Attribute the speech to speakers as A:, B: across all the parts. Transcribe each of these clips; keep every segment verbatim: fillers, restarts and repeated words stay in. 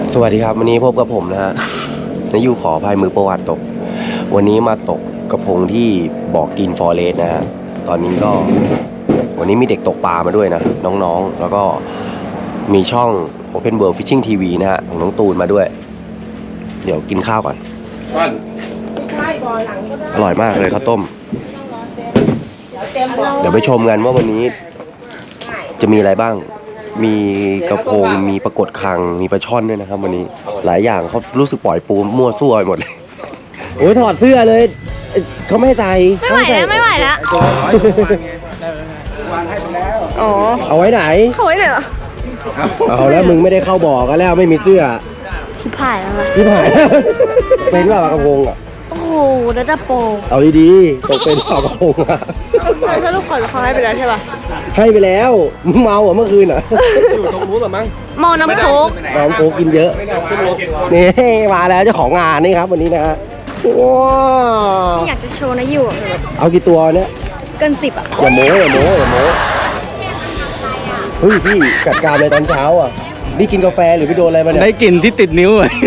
A: สวัสดีครับวันนี้พบกับผมนะฮะนายยูขออภัยมือประวัติตกวันนี้มาตกกระพงที่บ่อกินฟอเรสต์นะฮะตอนนี้ก็วันนี้มีเด็กตกปลามาด้วยนะน้องๆแล้วก็มีช่อง Open World Fishing ที วี นะฮะของน้องตูนมาด้วยเดี๋ยวกินข้าวก่อนอร่อยมากเลยข้าวต้มเดี๋ยวไปชมกันว่าวันนี้จะมีอะไรบ้างมีกระพงมีปรากฏคังมีปลาช่อนด้วยนะครับวันนี้หลายอย่างเขารู้สึกปล่อยปูมั่วซั่วไปหมดเลยโอ้ยถอดเสื้อเลยเขาไม่ให้ใส่
B: ไม่ไหวแล้วไม่ไหวแล้วอ๋อ
A: เอาไว้ไหน
B: เอาไว้ไหนอ่ะ
A: เอาแล้วมึงไม่ได้เข้าบ่อก็แล้วไม่มีเสื้อ
B: ที่ผ่ายแล้วนะ
A: ที่ผ่ายเป็นว่าปลากระพงอ่ะ
B: โอ้โหแล้วจะโป
A: เอาดีๆตกเป็นปลากระพงอ่ะ
B: ถ้าลูกขอเขาให้ไปแล้วใช่ป่ะ
A: ให้ไปแล้วมึงเมาอ่ะเมื่อคืนอ่ะอยู่ตรงนู้นหรอมั้ง
B: เมาน้ำโค้ก
A: น้ำโค้กกินเยอะนี่มาแล้วเจ้าของงานนี่ครับวันนี้นะฮะว้าว
B: ไม่อยากจะโชว์นะอยู่
A: เอากี่ตัวเนี้ย
B: เกินสิบอ่ะ
A: อย่าโม้อย่าโม้อย่าโม้เฮ้ยพี่จัดการเลยตอนเช้าอ่ะนี่กินกาแฟหรือพี่โดนอะไรมาเนี่ย
C: ได้กลิ่นที่ติดนิ้วเลย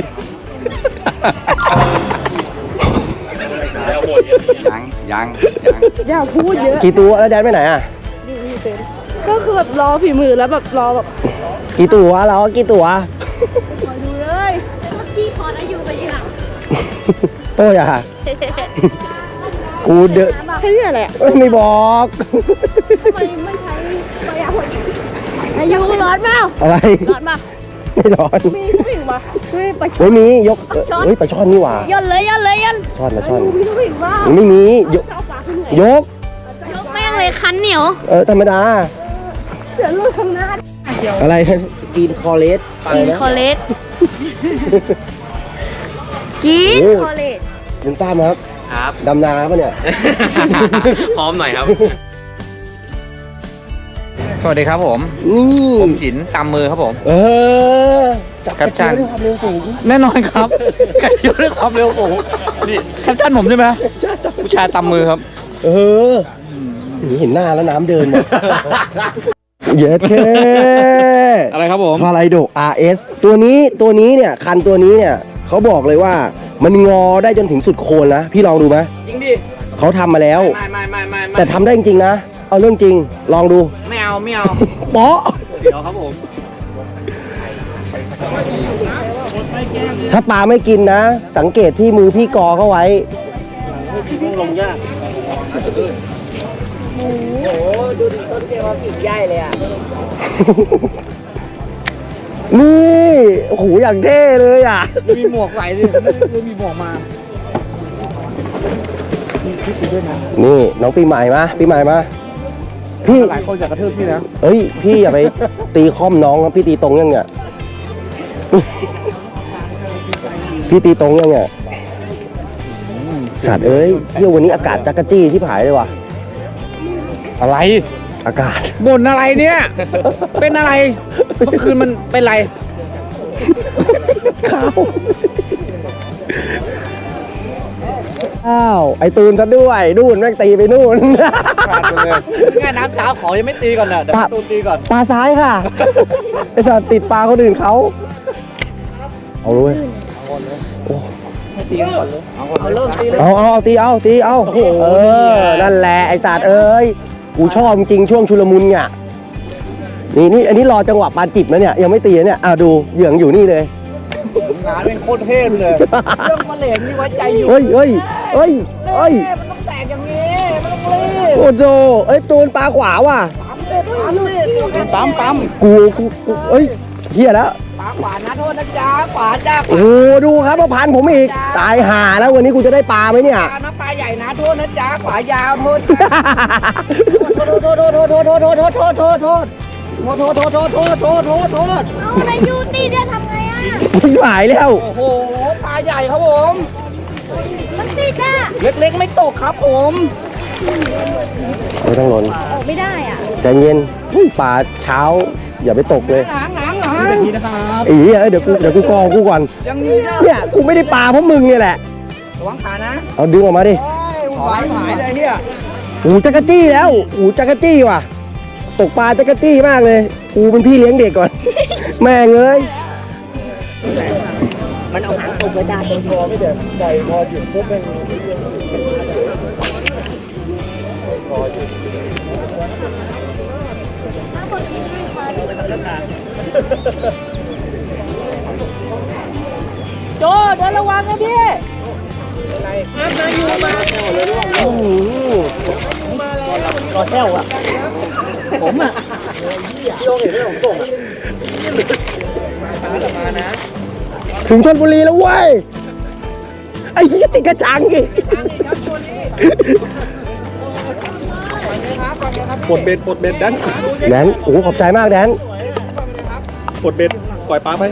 C: ยังยังยัง
B: อย่าพูดเยอะ
A: กี่ตัวแล้วแดนไปไหนอ่ะ
B: ก็คือแบบรอฝีมือแล้วแบบรอแบบ
A: กี่ตัวเรากี่ตัว
B: คอยดูเลยพี่พอนะอยู่ไปยี่หลัง
A: โต้ยอ่ะกูเดอะ
B: ใช่อะไรอ่ะ
A: ไม่บอก
B: ทำไมไม่ใช้ประหยัดอายุร้อนเปล่า
A: อะไร
B: ร้อนป่ะ
A: ไม่ร้อน
B: มีผู้หญิงป่ะเฮ้ยปลาช่
A: อนมียกเฮ้ยปลาช่อนนี่หว่า
B: ย่นเลยย่นเลยย่น
A: ช่อนปลาช่อน
B: มีผู้หญิงป่ะ
A: ไม่มียกยก
B: ยกแม่งเลยคันเหนียว
A: เออธรรมดา
B: เดี๋ยวลูกทำหน้า
A: อะไรกินคอเลส
B: กินคอเลสกินคอเลส
A: ลุงตั้มครับ
C: ครับ
A: ดำนาปะเนี่ย
C: พร้อมหน่อยครับสวัสดีครับผม
A: นี่
C: ผมจิ๋นตามมือครับผม
A: เออจับกระเจียวด้วยความเร็วสูง
C: แน่นอนครับกระเจียวด้วยความเร็วสูงนี่แคปชั่นผมใช่ไหมผู้ชายตามมือครับ
A: เออนี่เห็นหน้าแล้วน้ำเดินหมดเย็ดเค
C: อะไรครับผม
A: คาไลโด อาร์ เอส ตัวนี้ตัวนี้เนี่ยคันตัวนี้เนี่ยเขาบอกเลยว่ามันงอได้จนถึงสุดโคนนะพี่ลองดูไหม
C: จริงดิ
A: เขาทำมาแล้ว
C: ไม่ไม่ไม่ไม่
A: แต่ทำได้จริงๆนะเอาเรื่องจริงลองดู
C: ไม่เอาไม่เอา
A: เปาะ
C: เดี๋ยวครับผม
A: ถ้าปลาไม่กินนะสังเกตที่มือพี่กอเข้าไว้พี่ลงยากโอ้โหดูต้นเกมาผิดใหญ่เลยอ่ะนี่โอ้โหอย่างเท่เลยอ่ะ
C: มีหมวกใส่ดิมีหมวกมา
A: นี่น้องปีใหม่มาปีใหม่มาพี่
C: หลายคนอยากกระทืบพี่นะ
A: เฮ้ยพี่อย่าไปตีค่อมน้องครับพี่ตีตรงยังเนี่ยพี่ตีตรงยังเนี่ยสัตว์เอ้ยเที่ยววันนี้อากาศจักรจี้ที่ผายเลยว่ะ
C: อะไร
A: อากาศ
C: บ่นอะไรเนี่ยเป็นอะไรเมื่อคืนมันเป็นไร
A: ข้าวอ้าวไอตูนซะด้วยนู่นแม่งตีไปนู่น
C: ง่ายน้ำเช้าขอยังไม่ตีก่อนนะเดี๋ยวตูนตีก่อน
A: ปลาซ้ายค่ะไอสัตว์ติดปลาคนอื่นเขาเอาเลยโอ้
C: ตีก่อนเลยเอาเริ่มตีเลย
A: เอาเอาตีเอาตีเอาเออนั่นแหละไอสัตว์เอ้ยกูชอบจริงช่วงชุลมุนเนี่ยนี่นี่อันนี้รอจังหวะปลาจิบนะเนี่ยยังไม่ตีเนี่ยอ่ะดูเหยื่ออยู่นี่เลย
C: งานเป็นโคตรเท่เลยเรื่องมาเหลงนี่ไว้ใจอยู่
A: เฮ้ยเฮ้ยเฮ้ยเฮ้ย
C: มันต้องแตกอย่างนี้มันต้องรีบ
A: โอ้โหเอ้ยตูนปลาขวาว่ะ
C: ปั๊มปั๊ม
A: กูกูกูเอ้ยเฮียแล้ว
C: ปลาขวานะโทษนะจ๊ะขวาจ้า
A: โอ้ดูครับมาพันผมอีกตายห่าแล้ววันนี้กูจะได้ปลาไหมเนี่ย
C: นะปลาใหญ่นะโทษนะจ๊ะขวายาวโทษโทษโทษโทษโทษโทษโทษโทษโทษโทษโทษโทษโทษโทษโทษโทษโทษโทษโทษ
B: เอาในยูตีเนี่ยทำไงอ่ะ
A: ไม่ไหวแล้ว
C: โอ้โหปลาใหญ่ครับผม
B: มันติดอ่ะ
C: เล็กๆไม่ตกครับผม
A: ไม่ต้องหล่น
B: ออกไม่ได้อ่ะ
A: ใจเย็นปลาเช้าอย่าไปตกเลย
C: หางหางหาง
A: อีเดี๋ยวกูเดี๋ยวกูกองกูก่อนเนี่ยกูไม่ได้ปลาเพราะมึงเนี่ยแหละ
C: ระวังขานะ
A: เอาดึงออกมาดิ
C: หายหายเลยเนี่ย
A: หูจักรจี้แล้วหูจักรจี้ว่ะตกปลาจักรจี้มากเลยกูเป็นพี่เลี้ยงเด็กก่อนแม่งเอ้ย
C: มันเอาหางตรงไปได้ตรงคอไม่เด็ดใส่พอหยุดปุ๊บเป็นพอหยุดโจเดินระวังนะพี่อะไรครับนายอยู่มาโอ้โหมาแล้วรอแก้วอ่ะผมอ่ะพี่โอเห็นไหมผมส่งอ่ะมานะ
A: ถึงชลบุรีแล้วเว้ยไอ้เหี้ยติดกระจังอีก
D: ปลดเบ็ดปลดเบ็ดแดน
A: แดนโอ้ขอบใจมากแดน
D: ปลดเบ็ดปล่อยปลาไป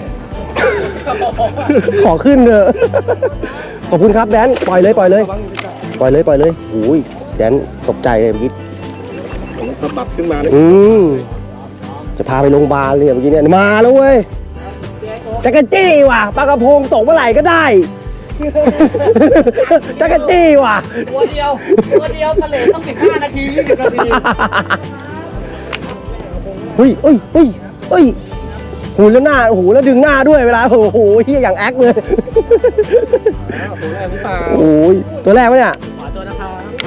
A: ขอขึ้นเถอะขอบคุณครับแดนปล่อยเลยปล่อยเลยปล่อยเลยปล่อยเลยโอ้ยแดนตกใจเลยเมื่อกี้
D: ผมสะบัดขึ้นมาเลย
A: อืมจะพาไปโรงพยาบาลเลยเมื่อกี้เนี่ยมาแล้วเว้ยจักรจี้ว่ะปลากระพงตกเมื่อไหร่ก็ได้จักรจี้ว่ะ
C: ตัวเดียวตัวเดียวทะเลต้องสิบห้านาทียี่สิบนาที
A: เฮ้ยเฮ้ยเฮ้ยเฮ้ยหูแล้วหน้าโอ้โหแล้วดึงหน้าด้วยเวลาโอ้โหเฮียอย่างแอคเลย
D: ตัวแรกหรือเปล่า
A: โอ้ยตัวแรกวะเนี่ย
C: ขอตัวนะครับ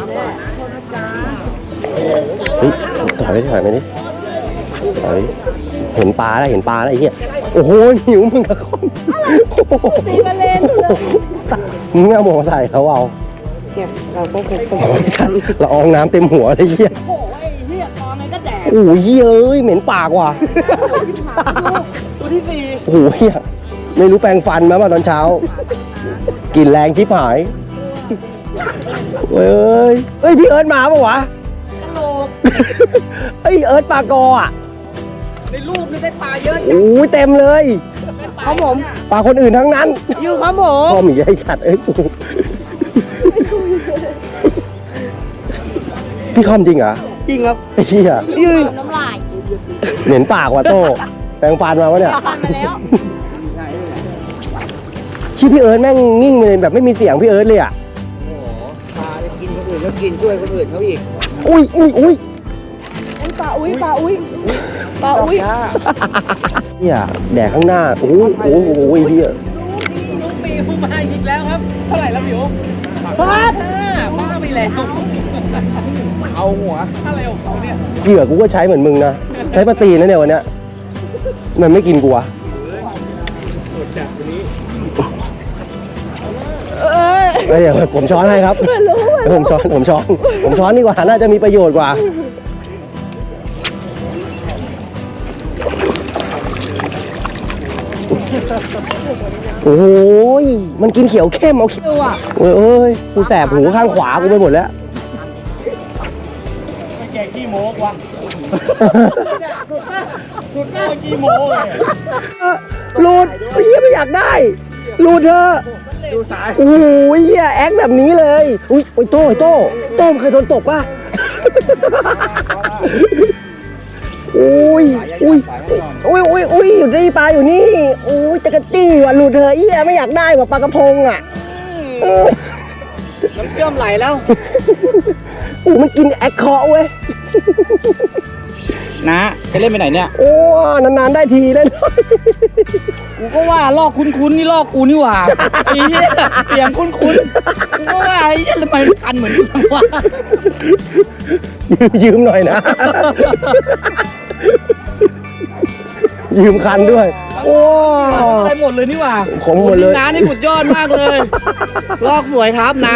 A: เฮ้ยถอยไปดิถอยไปดิถอยเห็นปลาแล้วเห็นปลาแล้วไอ้เหี้ยโอ้โหหิวมึงกับคน
B: ตีมาเล่นเลย
A: มึงไม่เอาหมวกมาใส่เขาเอา
C: เนี่ยเราก็คงคง
A: ละอองน้ำเต็มหัวเลยเหี้ย
B: โอ้ยเรียกตอนนั้นก็แดด
A: โอ้ยเหี้ยเอ้ยเหม็นปากว่ะ
C: ตัวที่สี่
A: โอ้โหเหี้ยไม่รู้แปรงฟันมาป่ะตอนเช้า กินแรงชิบหายเอ้ยเอ้ยพี่เอิร์ธมาป่ะวะ
C: ตลก
A: เอ้ยเอิร์ธปลากออ่ะ
C: ในรูปนี่ได้ปลาเยอะ
A: โอ้ยเต็มเลย
C: ครับผม
A: ปลาคนอื่นทั้งนั้น
C: อยู่ครับผม
A: พ่อหมีไอ้สัตว์เอ้ยพี่คอมจริงเหรอ
C: จริงครับ
A: ไอ้เหี้ย
C: ยืน
B: น้ำลาย
A: เหม็นปากว่ะโต้แปรงฟันมาวะเนี่ย
B: ฟันมาแล้ว
A: ชี้พี่เอิร์ธแม่งนิ่งเลยแบบไม่มีเสียงพี่เอิร์ธเลยอ่ะ
C: โอ้โหปลาจะกินคนอื่นแล้วกินช่วยคนอื่นเขาอีก
A: อุ้ยอุ้ยอุ้ย
B: อุ้ยปลาอุ้ยปลาอุ้ยปลาอุ้ย
A: เนี่ยแดกข้างหน้าโอ้ยโอ้ยโอ้ยเฮีย
C: ลูกปีผู้มาอีกแล้วครับ เท่าไหร่แล้วพี่โอ๋ป้าป้าไปแล้วเอาหัวอะไรของเขาเนี่ย
A: เหยื่อกูก็ใช้เหมือนมึงนะใช้ปลาตีนนะเนี่ยวันเนี้ยมันไม่กินกูวะ
B: เอ้ย
A: เอ้ยเดี๋ยวผมช้อนให้ครับ
B: ไม่รู้
A: เดี๋ยวผมช้อนผมช้อนผมช้อนดีกว่าน่าจะมีประโยชน์กว่าโอ้ยมันกินเขียวเข้มเอาเขียวอ่ะโอ้ยเอ้ยกูแสบหูข้างขวากูไปหมดแล้ว
D: แกขี้โม้กว่ะสุดแกขี้โม้เลย
A: หลุดเฮียไม่อยากได้หลุดเถอะ
D: ดูสาย
A: โอ้ยเฮียแอคแบบนี้เลยอุ้ยโอ้ยโต้โต้โต้มเคยโดนตกป่ะโอ้ยอุ้ยอุ้ยอุ้ยอุ้ยอยู่นี่ปลาอยู่นี่โอ้ยจักรจี้ว่ะหลุดเถอะเฮียไม่อยากได้ว่ะปลากระพงอ่ะเออ
C: น้ำเชื่อมไหลแล้ว
A: โอ้มันกินแอคเคาะเว้ย
C: นะจะเล่นไปไหนเนี่ย
A: โอ้นานๆได้ทีได้หน่อย
C: กูก็ว่าลอกคุ้นๆนี่ลอกกูนี่หว่าไอ้เหี้ยเสียงคุ้นๆกูก็ว่าไอ้เหี้ยทำไมมันคันเหมือนกันวะ
A: ยืมหน่อยนะ ยืมคันด้วย โอ้
C: ไปหมดเลยนี่หว่า
A: ของหมดเลย
C: น้านี่สุดยอดมากเลย ลอกสวยครับนะ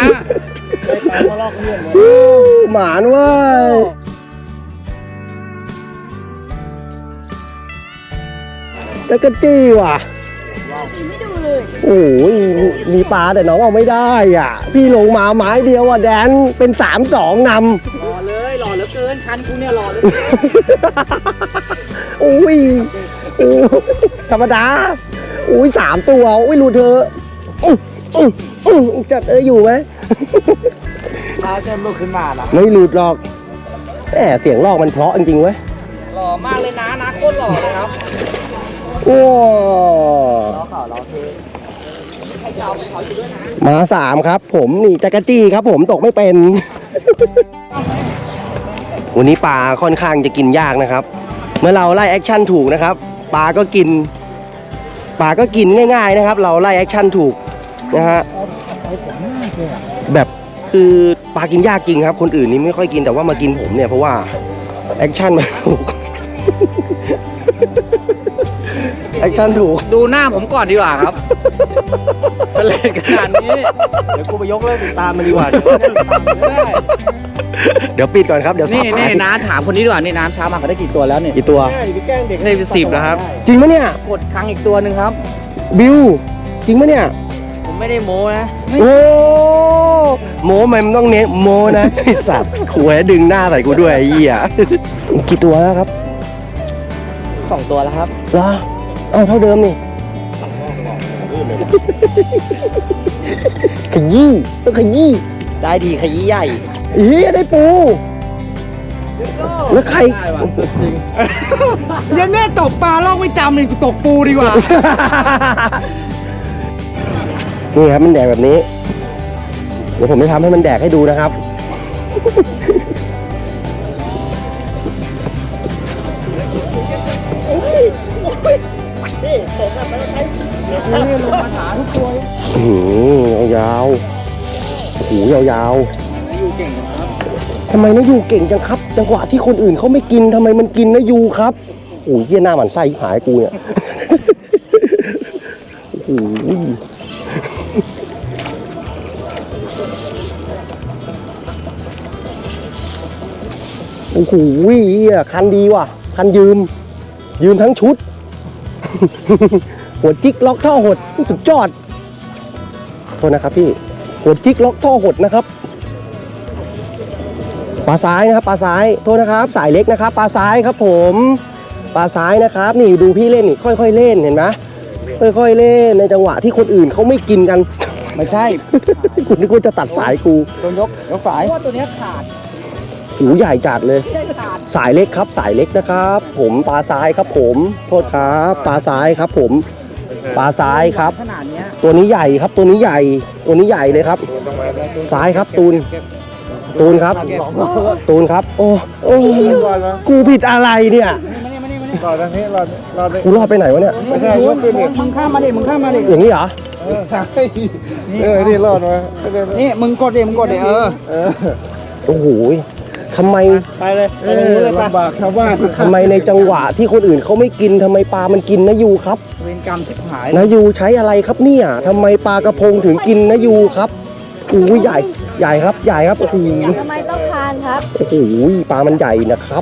A: หมานเว้ยแล้วก็จี้ว่ะ
B: ไม่ดูเลย
A: โอ้ยมีปลาแต่น้องเอาไม่ได้อ่ะ พี่ลงมาไม้เดียวอ่ะแดนเป็นสามสองน
C: หล่อเลยหล่อเหลือเกินคันกูเนี่ยหล่อเลย
A: ำอุ้ยโอ้ธรรมดาอุ้ยสามตัวอุ้ยรูเธออื้ออื้ออื้อจัดเอออยู่ไหม
C: เท้าเชิญลุกขึ้นมาละ
A: ไม่หลุดหรอกแหมเสียงลอกมันเพราะจริงๆเว้ย
C: หล่อมากเลยนะนะโคตรหล่อเลยครับ
A: โอ้
C: ล้อข่าวล้อเทให้เจ้าไปเขาอยู่ด้วยนะ
A: มาสามครับ ผมนี่จักรจี้ครับ ผมตกไม่เป็น วันนี้ปลาค่อนข้างจะกินยากนะครับ เมื่อเราไล่แอคชั่นถูกนะครับ ปลาก็กินปลาก็กินง่ายๆนะครับ เราไล่แอคชั่นถูกนะฮะแบบคือปลากินยากจริงครับ คนอื่นนี่ไม่ค่อยกินแต่ว่ามากินผมเนี่ยเพราะว่าแอคชั่นมันถูกแอคชั่นถูก
C: ดูหน้าผมก่อนดีกว่าครับเป็นเล่นขนาดนี้
D: เดี๋ยวกูไปยกเลิกติดตามมันดีกว่า
C: ได้
A: เดี๋ยวปิดก่อนครับเดี๋ยวสั
C: นี่
A: บ
C: นี่น้าถามคนนี้ดีกว่านี่น้ำเช้ามาเขาได้กี่ตัวแล้วเนี่ย
A: กี่ตัว
D: ไปแกล้งเด็ก
C: ได้สิบแล้วครับ
A: จริงไหมเนี่ย
C: กดครั้งอีกตัวหนึ่งครับ
A: บิวจริงไหมเนี่ย
C: ผมไม่ได้โม้นะ
A: โอ้โมมันต้องเน้นโมนะไอสัตว์ขวยดึงหน้าใส่กูด้วยไอ้เหี้ยกี่ตัวแล้วครับ
C: สองตัวแล้วครับ
A: เหรอเอ้าเท่าเดิมนี่ขยี้ต้องขยี้
C: ได้ดีขยี้ใหญ่
A: เฮ้ยได้ปูแล้วใคร
C: ได้ว่ะจริง
D: ยันแม่ตกปลาลอกไม่จำเลยกูตกปูดีกว่า
A: นี่ครับมันแดกแบบนี้ เดี๋ยวผมจะทำให้มันแดกให้ดูนะครับ อื้อหือยาวๆโอ้โหยาวๆทำไมนะยูเก่งจังครับ จังหวะที่คนอื่นเขาไม่กินทำไมมันกินนะยูครับโอ้ยเหี้ยหน้าหมันไส้หายกูเนี่ย โอ้โหโอ้โหเหี้ยคันดีว่ะ คันยืม ยืมทั้งชุด หัวจิกล็อกท่อหดสุดยอดโทษนะครับพี่ หัวจิกล็อกท่อหดนะครับ ปลาซ้ายนะครับ ปลาซ้ายโทษนะครับ สายเล็กนะครับ ปลาซ้ายครับผม ปลาซ้ายนะครับ นี่ดูพี่เล่นนี่ค่อยๆเล่นเห็นไหมค่อยๆเล่นในจังหวะที่คนอื่นเขาไม่กินกัน
C: ไม่ใช่
A: คุณนึกว่าจะตัดสายกู
C: โดนยกยกฝายว่าตัวนี้ขาด
A: หูใหญ่จัดเลย สายเล็กครับ สายเล็กนะครับ ผมปลาซ้ายครับผม โทษครับปลาซ้ายครับผม ปลาซ้ายครับ
C: ขนาดเนี้ย
A: ตัวนี้ใหญ่ครับ ตัวนี้ใหญ่ ตัวนี้ใหญ่เลยครับ ซ้ายครับตูน ตูนครับ ตูนครับ โอ้โอ้กูผิดอะไรเนี่ย
D: รอตรงนี้รอรอ
A: กูรอดไปไหนวะเนี่ย
D: ไม่ใช่ยกขึ้นดิ
C: มึงข้ามมาดิมึงข้ามมาดิ
A: อย่างนี้เหรอ
D: เออใช่เออนี่รอดมา
C: นี่มึงกดดิมึงกดดิเออ
D: เออ
A: โอ้โหทำไม
C: ไปเลย
D: เออลำบากชาวบ้าน
A: ทำไมในจังหวะที่คนอื่นเขาไม่กินทำไมปลามันกินนะยูครับ
C: เวรกรรมชิบหาย
A: นะยูใช้อะไรครับเนี่ยทำไมปลากระพงถึงกินนะยูครับอู้ยใหญ่ ใหญ่ครับ ใหญ่ครับ โอ้โห
B: ทำไมต้องทานครับ
A: โอ้โหปลามันใหญ่นะครับ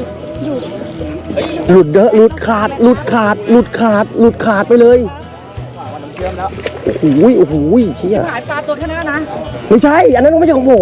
A: หลุดเด้อหลุดขาด หลุดขาด หลุดขาด หลุดขาดไปเลย โอ้โหโอ้โหเชี่ย
C: หายปลาตัวแค่นั้นนะ
A: ไม่ใช่ อันนั้นไม่ใช่ของผม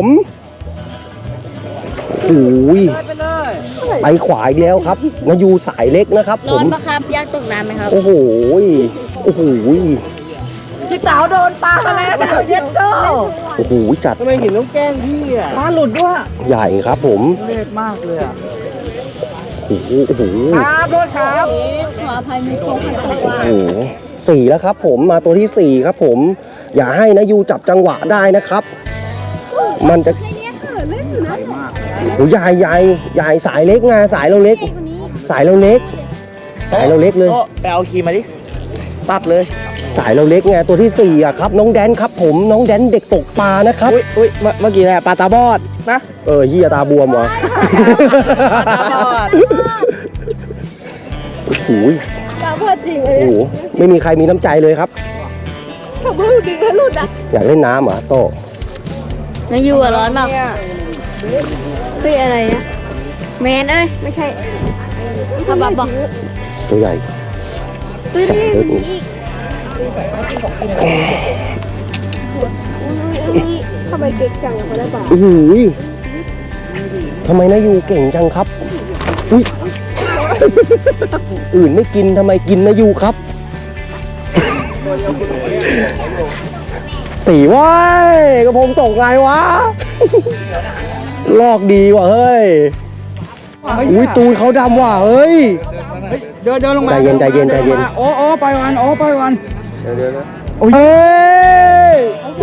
A: โอ้ย
C: ไปเลย
A: ไปขวาอีกแล้วครับนายูสายเล็กนะครับ ผ
B: ร้อ
A: ม
B: นปะครับยากตกน้ำไหมครับ
A: โอ้โห โอ้โห
B: พี่สาวโดนปลาแล้วเย็ดโต
A: โอ้โห จัด
D: ทำไมหินต้องแกล้งพี่อ่ะ
C: ปลาหลุดด้วย
A: ใหญ่ครับผม
C: เล็ดมากเลยอ่ะ
A: โอ้โห โอ้โห
C: ครับโทษครับ
B: ขออภัยมีโค้งขัดตัว
A: โอ้โหสี่แล้วครับผมมาตัวที่สี่ครับผม อย่าให้นะยูจับจังหวะได้นะครับ มันจะโอ้ใหญ่ใหญ่ใหญ่สายเล็กไงสายเราเล็ก สายเราเล็ก สายเราเล็กเลย
C: ไปเอาคีมาดิตัดเลย
A: สายเราเล็กไงตัวที่สี่อ่ะครับ น้องแดนครับผมน้องแดนเด็กตกปลานะครับ
C: อุ้ยอุ้ยเมื่อเมื่อกี้แหละปลาตาบอดนะ
A: เออเฮียตาบวมวะ
C: ตาบอด
A: โอ้โห
B: ตาเพื่อจริงเล
A: โอ้
B: ย
A: โหไม่มีใครมีน้ำใจเลยครับ
B: ถ้าเพื่อจริงแล้วหลุดอ่ะ
A: อยากเล่นน้ำเหรอ่ะโต
B: นายูอ่ะร้อนมากเฮ้ยอะไรนะแมนเอ้ยไม่ใช่ขบับบอก
A: ตัวใหญ่
B: เฮ้ยนี่อีกทำไมเก่งจังเขาได้ป่ะ
A: โอ้โหทำไมนายูเก่งจังครับอุ้ย อื่นไม่กินทำไมกินนายูครับ สีว้ายกระผมตกไงวะ ลอกดีว่ะเฮ้ย อุ้ยตูนเขาดำว่ะเฮ้ย
C: เดินเดินลงมา
A: ใจเย็นใจเย็นใจเย็น
C: โอ้โอ้ไปวันโอ้ไปวัน
D: เดี๋ยวเดี๋ยวนะ
A: เฮ้ย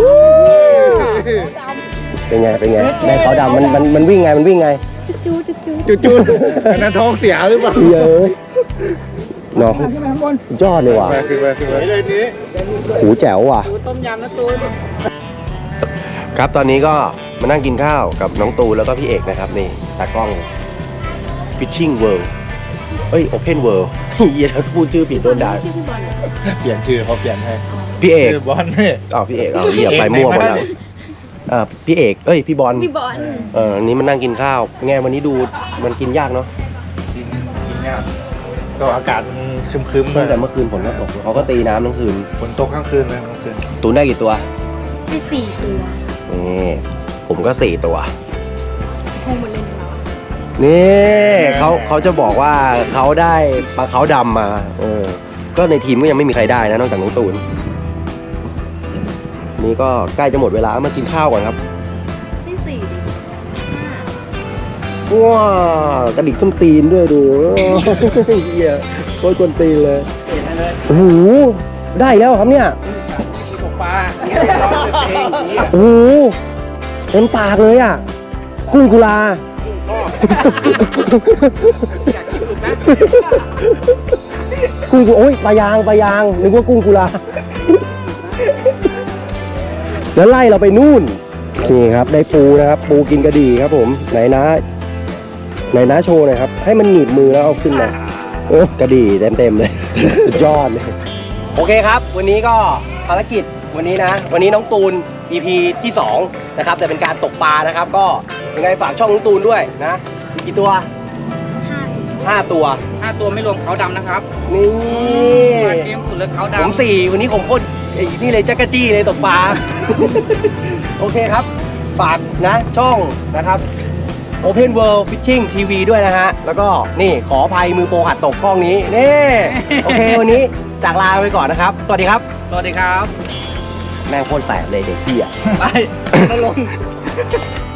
A: เป็นไงเป็นไงในเขาดำมันมันมันวิ่งไงมันวิ่งไง
B: จูจูจู
D: จุดจุดอันนั้นท้องเสียหรือเปล่า
A: เยอะน้อง
D: ขึ้นไปข้างบน
A: ยอดเลยว่ะ
C: ไปขึ้นไปขึ้นไปเลยนี้
A: หูแจ๋วว่ะ
C: ตูต้มยำนะตูน
A: ครับตอนนี้ก็มานั่งกินข้าวกับน้องตูนแล้วก็พี่เอกนะครับนี่ตากล้อง Fishing World เอ้ย Open World เฮียพูดชื่อผิดโดนด่า
B: ชื่อพี่บอลเหรอ
C: เปลี่ยนชื่อเขาเปลี่ยนให้
A: พี่เอก
C: ชื่อบอลเนี่ย
A: อ้าวพี่เอกเอาเฮียไปมั่วหมดแล้วเออพี่เอกเอ้ยพี่บอล
B: พี่บอล
A: เอออันนี้มันนั่งกินข้าวไงวันนี้ดูมันกินยากเนาะ
C: กินกินยากก็อากาศมันครึมๆ
A: ตั้งแต่
C: เลย
A: เมื่อคืนฝนก็ตกเขาก็ตีน้ำทั้งคืน
C: ฝนตกทั้งคืนเลยทั้งคืน
A: ตูนได้กี่ตัว
B: พี่สี่ตัว
A: นี่ผมก็สี่ตัว
B: คงหมดเลยเหรอ
A: นี่เขาเขาจะบอกว่าเขาได้ปลาเขาดำมาเออก็ในทีมก็ยังไม่มีใครได้นะนอกจากน้องตูนนี่ก็ใกล้จะหมดเวลามากินข้าวก่อนครับ
B: พี่สี่ดิห้า
A: ว้ากระดิกส้นตีนด้วยดูเฮียโคตรกวนตีนเลยโอ้โหได้อีกแล้วเหรอครับเนี่ย
C: ตกปลาร้องเพลงอย่างนี้
A: โอ้โหเต็มปากเลยอ่ะกุ้งกุลากุ้งกุโอ้ยปลายางปลายางนึกว่ากุ้งกุลาแล้วไล่เราไปนู่นนี่ครับได้ปูนะครับปูกินกระดี่ครับผมไหนนะไหนนะโชว์หน่อยครับให้มันหนีบมือแล้วเอาขึ้นมาโอ้กระดี่เต็มๆเลยสุดยอดเลยโอเคครับ วันนี้ก็ภารกิจวันนี้นะ วันนี้น้องตูน อี พี ที่สองนะครับแต่เป็นการตกปลานะครับ ก็ยังไงฝากช่องน้องตูนด้วยนะมีกี่ตัว
B: ห้า
A: ห้าตัว
C: ห้าตัวไม่รวมเขาดำนะครับ
A: นี่
C: มาเกมสุดเลยเขาดำ
A: ผมสี่วันนี้ผมโคตรไอ้นี่เลยจักรจี้เลยตกปลา โอเคครับ ฝากนะช่องนะครับ Open World Fishing ที วี ด้วยนะฮะ แล้วก็นี่ขออภัยมือโปรหัดตกกล้องนี้ นี่ โอเค วันนี้จากลาไปก่อนนะครับ สวัสดีครับ
C: สวัสดีครับ
A: แม่งโคตรแสบเลยเด็กพี่อ่ะ
C: ไปลง